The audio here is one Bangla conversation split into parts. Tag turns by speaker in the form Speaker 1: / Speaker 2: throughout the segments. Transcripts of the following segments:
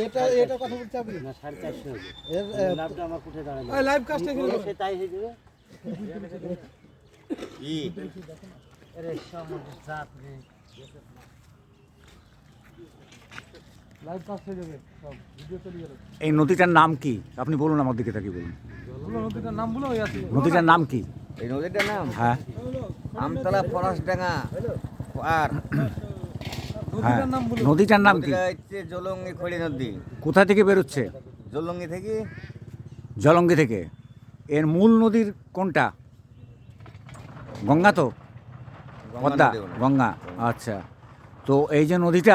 Speaker 1: এটা কথা বলতে হবে না 450 হবে এর লাভটা আমার কোথায় দাঁড়াবে ওই লাইভ কাজটা কি হবে তাই হয়ে যাবে কি আরে সমুদ্র জাত রে লাইভ কাজ হয়ে যাবে সব ভিডিও চলে যাবে।
Speaker 2: এই নদীটার নাম কি আপনি বলুন, আমার দিকে তাকিয়ে বলুন।
Speaker 1: নদীটার নাম বলো আছে
Speaker 2: নদীটার নাম কি?
Speaker 3: এই নদীটার নাম
Speaker 2: হ্যাঁ
Speaker 3: আমতলা ফরাসডাঙ্গা আর
Speaker 2: হ্যাঁ, নদীটার নাম কি?
Speaker 3: নদীটা হচ্ছে জলঙ্গি খড়ি নদী।
Speaker 2: কোথা থেকে বেরোচ্ছে?
Speaker 3: জলঙ্গি থেকে।
Speaker 2: জলঙ্গি থেকে। এর মূল নদীর কোনটা? গঙ্গা তো? পদ্মা? গঙ্গা। আচ্ছা, তো এই যে নদীটা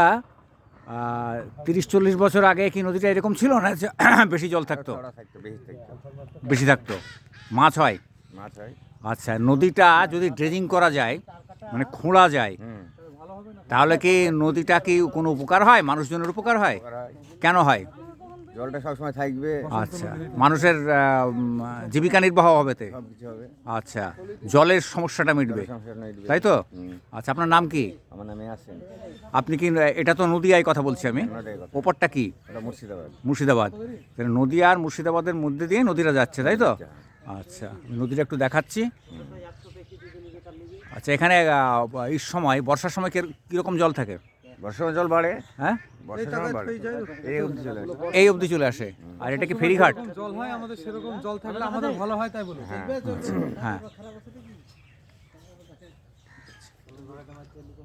Speaker 2: 30-40 বছর আগে কি নদীটা এরকম ছিল না বেশি জল থাকতো? বেশি থাকতো। মাছ হয়?
Speaker 3: মাছ হয়।
Speaker 2: আচ্ছা, নদীটা যদি ড্রেজিং করা যায়, মানে খোঁড়া যায়, তাহলে কি নদীটা কি কোনো উপকার হয়? মানুষজনের উপকার হয়? কেন হয়?
Speaker 3: জলটা সবসময় থাকবে।
Speaker 2: আচ্ছা, মানুষের জীবিকা নির্বাহ হবে তো?
Speaker 3: সবকিছু হবে।
Speaker 2: আচ্ছা, জলের সমস্যাটা মিটবে, তাই তো? আচ্ছা, আপনার নাম কি?
Speaker 3: আমার নামে আছেন।
Speaker 2: আপনি কি, এটা তো নদীয়ায় কথা বলছি আমি, ওপরটা কি?
Speaker 3: মুর্শিদাবাদ।
Speaker 2: মুর্শিদাবাদ। তাহলে নদী আর মুর্শিদাবাদের মধ্যে দিয়ে নদীটা যাচ্ছে, তাই তো? আচ্ছা, নদীটা একটু দেখাচ্ছি। আচ্ছা, এখানে এই সময় বর্ষার সময় কীরকম জল থাকে?
Speaker 3: বর্ষার জল বাড়ে।
Speaker 2: হ্যাঁ,
Speaker 3: বর্ষার সময় বাড়ে,
Speaker 2: এই অবধি চলে আসে। আর এটা কি ফেরিঘাট?
Speaker 1: জল হয় আমাদের, সেরকম জল থাকলে আমাদের ভালো হয় তাই বলুন।
Speaker 2: হ্যাঁ।